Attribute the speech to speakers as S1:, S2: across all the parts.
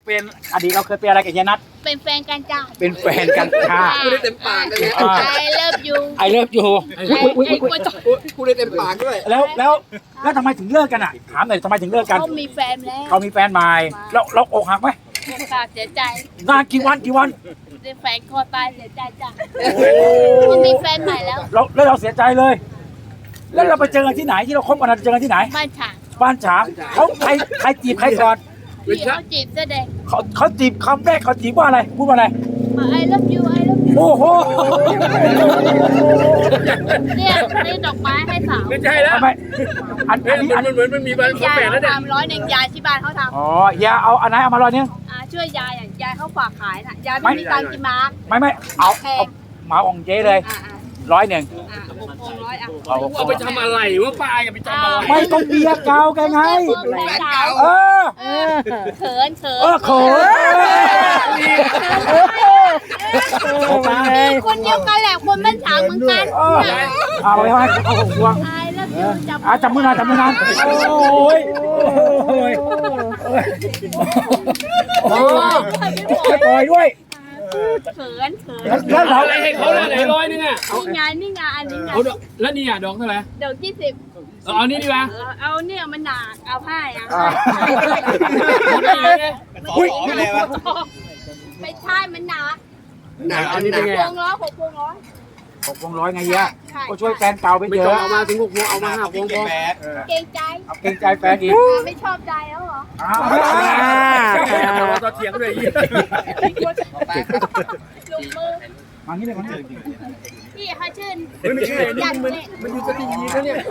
S1: เป็นอดีตเราเคยเป็นอะไรกับเฮียนัท
S2: เป็นแฟนกันจ้า
S1: เป็นแฟนกันค่ะ
S3: พูดได้เต็มปากเลยเนี่ย
S2: I love you
S1: ไอเลิฟอยู่
S3: พูดได้เต็มปากด้วย
S1: แล้วทำไมถึงเลิกกันอ่ะถามหน่อยทำไมถึงเลิกกัน
S2: เขามีแฟนแล้ว
S1: เขามีแฟนใหม่เราอกหักไหม
S2: ค่ะเสียใจ
S1: นานกี่วัน
S2: เป็นแฟนคอตายเสียใจจ้ะเขามีแฟนใหม่แล้ว
S1: เราเสียใจเลย แล้วเราไปเจอกันที่ไหนที่เราคบกันเราเจอกันที่ไหน
S2: บ้านฉาง
S1: บ้านฉางเขาใครจีบใครก่อน
S2: พี่เขาจีบแสดง
S1: เขาจีบคำแรกเขาจีบว่าอะไรพูดว่าอะไร
S2: I love you I love you
S1: โอ้โห
S2: เนี่ยซื้อดอกไม้ให้สาว
S3: ไม่ใช่แล้ว
S1: ทำไมอันนี้
S3: มันเหมือนมันมีใบขอ
S2: ยาย
S3: แฝดแล้ว
S2: เขา
S3: เนี่ย
S2: ทำ100ยายที่บ้านเขาท
S1: อ๋ออย่าเอาอันไหนเอามาลอยนึง
S2: ำช่วยยายอ่ะยายเขาฝากขายน่ะยายไม่มีตังค์กินมาร์ก
S1: ไม่เอาเหมาของเจ๊เลย100
S2: 600อ่ะ
S3: เอาไปทำอะไรวะป้าอย่าไปทำอะไร
S1: ไม่ต้องเบียร์เก่าแกไงเออ
S2: เขิน
S1: เขิน
S2: คนเดียวกันแหละคนบ้านฉางเหมือนกัน
S1: เอาไปให้เอาของพวง
S2: I love you
S1: จับมือนานโอ้ยปล่อยด้วย
S2: เขิน
S1: แล้วเรา
S3: อะไรให้เขาเลยไหนร้อยนึงอ่ะ
S2: นี่ไงอันนี้ไง
S3: เอาแล้วนี่อ่ะดอกเท่าไหร่
S2: เดี๋ยว20
S3: เอานี่ดีกว่า
S2: เอาเนี่ยมันหนักเอาผ้าอ่ะไม่ใช่มันหนัก
S3: หนักอันนี้เป็นไง
S2: พวงร้อย6 พวงร้อย
S1: 6 วงร้อยไงเฮียก็ช่วยแฟนเก่าไป
S3: ไม่
S1: เย
S3: ต้อง
S1: อะ
S3: เอามาถึง6 พวงเอามา5 พวงพอ
S2: เกรงใจ
S1: เกรงใจแฟนอีก
S2: ไม่ชอบใจแล้วเหรอ
S3: ต่อเถียงเลย
S2: ลุงมือ
S1: มางี้เลยมานี่
S2: พี่เขาชื่น
S3: ไม่ใช่มันอยู่สตีหีบแล้วเนี่ย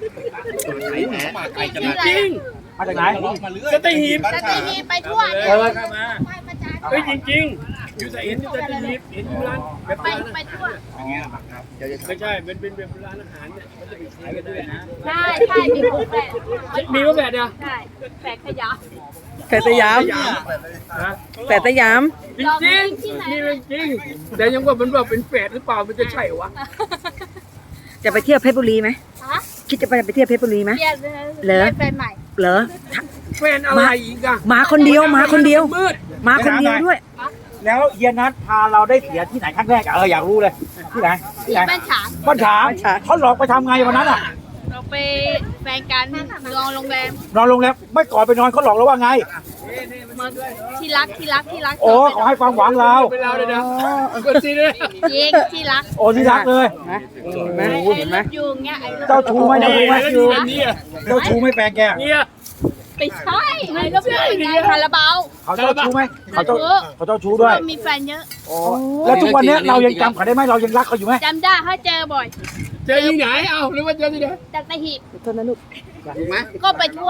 S2: ชื่ออะไร
S3: จริง
S1: มาจากไหน
S3: สตีหีบ
S2: จะตีนีไปทั่วเนี่ย ไปประจาน
S3: เฮ้ยจริงๆอยู่สตีหีบเห็นอยู่ร้านแบบ
S2: ไปทั่ว
S3: ไม่ใช่เป็นแบบร้านอาหารเนี่ยเขาจะไปขายกันด้วยนะ
S2: ใช่มีของแปะ
S3: มีว่าแบบเนี่ย
S2: ใช่แปะขยะ
S4: แปดสยาม
S3: ฮะ
S4: แปดสยาม
S3: จริงๆนี่จริงแต่ยังว่ามันแบบเป็นแฝดหรือเปล่ามันจะใช่วะ
S4: จะไปเที่ยวเพชรบุรีไหม
S2: ฮะ
S4: คิดจะไปเที่ยวเพชรบุรีไหม
S2: เรียน
S4: เหรอ
S2: แฟนใหม่
S4: เหรอ
S3: แฟนอะไรอีกอะ
S4: มาคนเดียวมาคนเดียว
S3: มืด
S4: มาคนเดียวด้วย
S1: แล้วเฮียนัทพาเราได้เสียที่ไหนครั้งแรกอยากรู้เลยที่ไหน
S2: ที่บ้านฉาง
S1: บ้านฉางเขาหลอกไปทำไงวันนั้นอ่ะ
S2: เราไปแฟนกันนอนโรงแรม
S1: นอนโรงแรมไม่ก่อนไปนอนเขาหลอกเราว่าไง
S2: มาที่รัก
S1: โอ้เขาให้ความหวังเรา
S3: เป็นเราเลยนะกดซีเลย
S2: ยิงที่รัก
S1: โอ้ที่รักเลย
S4: นะเห็นไหม
S2: ไอ้
S4: เห็นไหม
S2: ลูกยูงเงี้ยไอ้ลูก
S1: เจ้าชู้ไหม
S3: แล้วดูแบบนี้อะ
S1: เจ้าชู้ไม่แฟนแก
S3: เนี่ย
S2: ไปใช่ไอ้ลูกยูงไงคาราบาว
S1: เขาเจ้าชู้ไหมเขาเจ้าชู้ด้วย
S2: เรามีแฟนเยอะ
S1: แล้วทุกวันนี้เรายังจำเขาได้ไหมเรายังรักเขาอยู่ไหม
S2: จำได้เขาเจอบ่อย
S3: เจอที่ไหนเอ้าหรือว่าเจอที่ไหน
S2: จากตะหิบ
S4: โทษนะลูก
S3: ถูกไหม
S2: ก็ไปทั่ว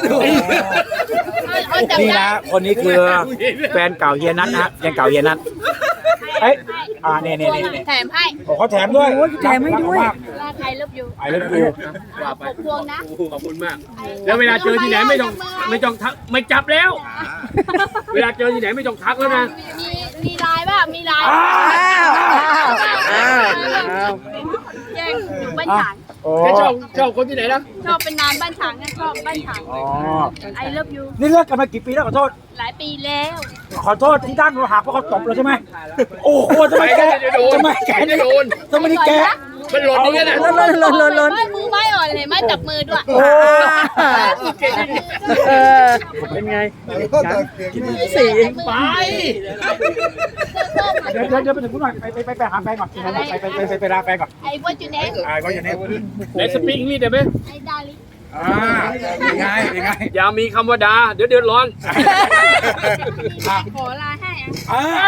S2: เขาจำ
S1: นี่
S2: ได้
S1: นะคนนี้คือแฟนเก่าเฮียนัทนะแฟนเก่าเฮียนัทเอ้ยนี่
S2: แถมให้
S1: เขาแถมด้วย
S4: แถมให้ด้วย
S2: ว่าใครเลิฟยู
S1: ไอ้เลิฟยู
S3: ว่าไป
S2: 6 พวงนะ
S3: ขอบคุณมาก แล้วเวลาเจอที่ไหนไม่ต้องทักไม่จับแล้ว เวลาเจอที่ไหนไม่ต้องทักแล้วนะ
S2: มีลายป่ะมีลาย
S4: อ้าว
S2: แย่งอยู่บ้านฉาง
S1: โอ้
S3: แค่ชอบคนที่ไหนนะ
S2: ชอบเป็นนานบ้านฉางนะชอบบ้านฉาง
S1: อ๋อ
S2: ไอเลิฟยู
S1: นี่เลิกกันมากี่ปีแล้วขอโทษ
S2: หลายปีแล้ว
S1: ขอโทษที่ด้านเราหักเพราะเขาตบเราใช่ไหมโอ้โหทำไมแก
S3: จะ
S1: ทำไมแก
S3: จะโดน
S1: ทำไมนี่แก
S3: มันหล่นอย่างนั้น
S4: ล้น
S2: ไม่มือไม่อ่อนเลยไม่จับมือด้วย
S1: โอ้
S4: เออเป็นไงกินสี่เอง
S3: ไป
S1: เดี๋ยวไปถึงคุณหน่อยไปหาแฟนก่อนไปลาแฟนก่อน
S2: ไอ้ว่าจูเนส
S1: ก็อย่างนี้
S3: ไหนสปีกนี่ได้ไหม
S2: ไอ้ดาลิ
S1: เป็นไง
S3: อย่ามีคำว่าด่าเดี๋ยวเดือดร้อน
S2: ขอลาให้อ่ะ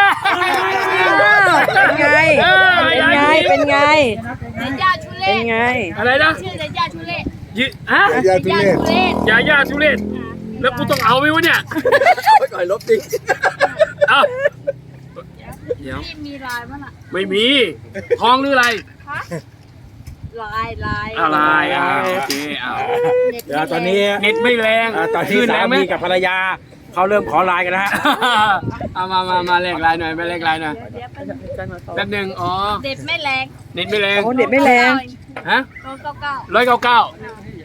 S4: เป็นไง
S2: เดย่าชุเล่
S4: เป็นไง
S3: อะไรนะ
S2: ชื่อเดย่าชุเล่
S3: ฮะ
S2: เดย่าชุเล่
S3: ยาทุเรศแล้วกูต้องเอาไหมวะเนี่ยก่อยลบดิเอาเดี๋ยว
S2: นี่มีลายมั้งอ่ะ
S3: ไม่มีทองหรืออะไร
S2: ฮะลาย
S3: อะไรโอเคเอา
S1: เดี๋ยวตอนนี้
S3: เน็ตไม่แรง
S1: ตอนที่สามีกับภรรยาเขาเริ่มขอไลน์กันนะฮะ
S3: เอามาแลกไลน์หน่อยมาแลกไลน์หน่อย
S2: เดี๋ยวไป
S3: แป๊บหนึงอ๋อ
S2: เด็ดไม่แรง
S3: เน็ตไม่แรง
S4: โอ้เด็ดไม่แรง
S3: ฮะ
S2: 999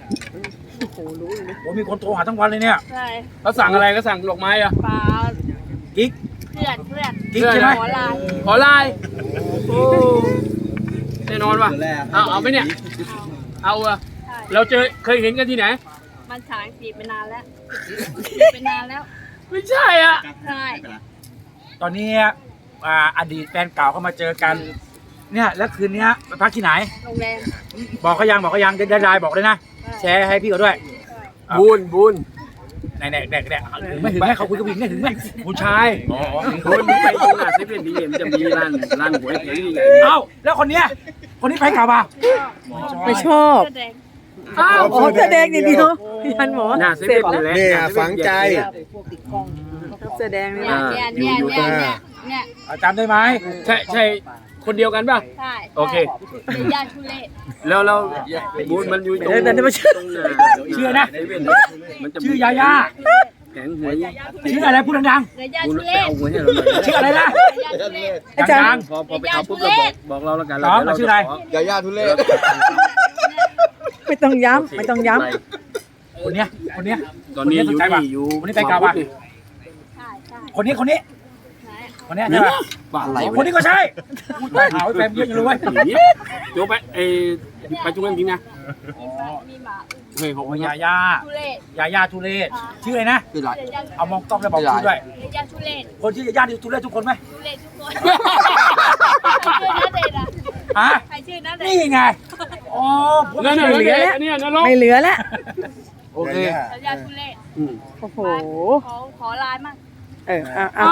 S1: ผมมีคนโทรหาทั้งวันเลยเนี่ย
S2: ใช่
S3: เขาสั่งอะไรก็สั่งดอกไม้อะ
S2: ปลา
S1: กิ๊ก
S2: เพื่อน
S1: กิ๊กใช่ไหม
S2: ขอลา
S3: ขอไลน์โอ้แน่นอนว่ะเอาไหมเนี่ย เอาอะ
S2: ใช่
S3: เราเคยเห็นกันที่ไหน
S2: มันฉางจีบไปนานแล้วไปนานแล้ว
S3: ไม่ใช่อ่ะ
S2: ใช่
S1: ตอนนี้อดีตแฟนเก่าเข้ามาเจอกัน เนี่ยแล้วคืนนี้ไปพักที่ไหน
S2: โรงแรม
S1: บอกเขายังได้ไลน์บอกเลยนะแชร์ให้พี่เขาด้วย
S3: บุญ
S1: ไหนเด็กไม่ถึงไหมเขาคุยกับผู้หญิงไม่ถึงไหมผู้ชายอ๋อ
S3: บุญไปตรงหน้าเซเว่นดีมันจะมีร้านหวยแผงนี่ไง
S1: เอ้าแล้วคนนี้แฟนเก่าป่ะ
S4: ไม่ชอบ
S2: แสดง
S3: อ้าว
S4: อ๋อเสื้อแดงอย่างเดียวยันหมอ
S3: หน้าเซเว่นนี่แหละ
S5: เนี่ยฝังใจ
S4: เสื้อแดงนี่
S2: เนี่ย
S1: จำได้ไหม
S3: ใช่คนเดียวกันป่ะ
S2: ใช่
S3: โอเค
S2: เป็นญาติทุเรศ
S3: แล้วบุญมันอยู่ตรง
S4: เดี๋ยวมาชื่อ
S3: ตรงหน้า
S1: ชื่อนะ
S3: เซเว่นมันจะมี
S1: ชื่อยาย่า
S3: แผงหวย
S1: ชื่ออะไรพูดดัง
S2: เดี๋ยวญาติ
S3: บุญ
S2: ทุ
S3: ไป
S2: เรศ
S3: เอาหวยให้เราหน่อย
S1: ๆชื่ออะไรนะ
S2: ญาติทุเรศ
S4: อาจารย์
S3: พอไปเอาปุ๊บเราบอกเราแล้วกัน
S1: น้องมันชื่ออะไร
S5: ยาย่าทุเรศ
S4: ไม่ต้องย้ำไม่ต้องย้
S1: คนเนี้ย
S3: ตอนนี้อยู่นี่อยู่
S1: คนนี้แฟนเก่าป่ะ
S2: ใช่ใช่
S1: คนนี้
S2: ไหน
S1: ใช่ป่ะ
S3: บ้าอะไร
S1: คนนี้ก็ใช่พูดไปหาว่าแฟนเยอะจังเลยเว้ย
S3: โยไปไปจุกันจริงนะ
S2: มีหมา
S3: เฮ้ยของ
S1: โอ้
S3: ยาย
S1: าย่า
S2: ทุเรศ
S1: ยาย่าทุเรศชื่ออะไรนะ
S5: คืออะไร
S1: เอามองกล้องแล้วบอกชื่อด้วย
S2: ญาติทุเรศ
S1: คนชื่อยาย่าทุเรศทุกคนไหม
S2: ทุเรศทุกคนใครชื่อนัเดชน์อ่ะ
S1: ฮะ
S2: ใครชื่อนัเด
S1: นี่
S2: ชน์
S1: ไงอ๋อพวก
S3: นั่น
S1: ชื่อ
S3: น่ะ
S1: เหลือ
S3: เนี่ยนร
S4: ำ
S3: ก
S4: ไม่เหลือแล้ว
S3: โอเค
S2: ญาติทุเรศ
S4: โอ้โห
S2: ขอไลน์มั่ง
S4: เอา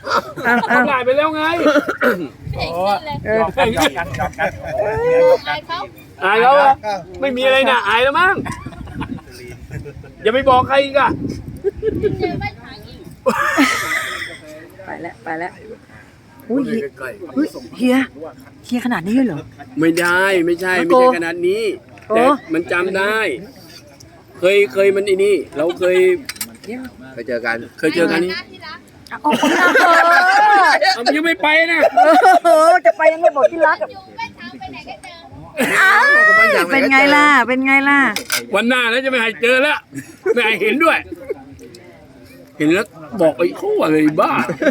S3: หายไปแล้วไง
S2: ไม่เห็นขึ้นเลย
S1: ยอมกัน
S2: ไลน์เขา
S3: อายแล้วไม่มีอะไรนะอายแล้วมั้งอย่าไปบอกใครอีกอะ
S2: เจอไม่ทางอีก
S4: ไปแล้วอุ้ยเฮียขนาดนี้เลยเหรอ
S3: ไม่ได้ไม่ใช่ขนาดนี้
S4: โอ้
S3: แต่มันจำได้ เคยมันไอ้นี่เราเคย
S5: ไปเจอกัน
S3: เจอกันนี่
S2: หน้าที่รัก
S4: โอ้โห
S3: มันยังไม่ไปนะ
S4: จะไปยังไม่บอกที่รัก
S2: อยู่ไม่ทางไปไหนก็เจอ
S4: เป็นไงล่ะ
S3: วันหน้าแล้วจะไม่ให้เจอแล้วไม่ให้เห็นด้วย เห็นแล้วบอกไอ้เขาอะไรบ้า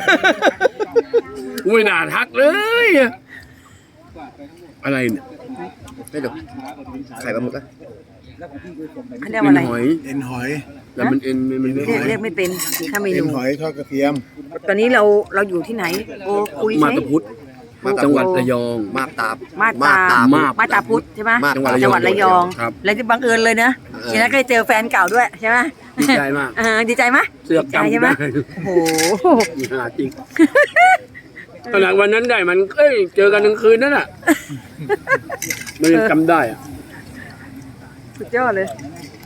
S3: ไม่น่าทักเลย อะไรเนี่ย
S5: ไม่ดูไข่ปลาหมึกอะ
S4: เขาเรียกว่าอะไร
S3: หอย
S5: เอ็นหอย
S3: แล้วมันเอ็นมัน
S4: เรียกไม่เป็นถ้าเม
S5: เอ็
S4: นู
S5: นหอยทอดกระเทียม
S4: ตอนนี้เราอยู่ที่ไหนโอ้คุย
S3: มา
S4: ใช่
S3: ตาพุธจังหวัดระยอง
S5: มาบตาบ
S4: มาตาพุธใช่ไหม
S5: มาบ
S4: จังหวัดระยอง
S3: ครับ
S4: แล้วที่บังเอิญเลยนะทีนั้นก็ได้เจอแฟนเก่าด้วยใช่ไหม
S3: ดีใจมาก
S4: ดีใจไหม
S3: เสือก
S4: ใจ
S3: จำ
S4: ใช่ไหม
S3: ได้
S4: โอ้โห
S3: หาจริงขนาดวันนั้นได้มันเจอกันกลางคืนนั่นน่ะมันยังจำได้อะ
S4: สุดยอดเลย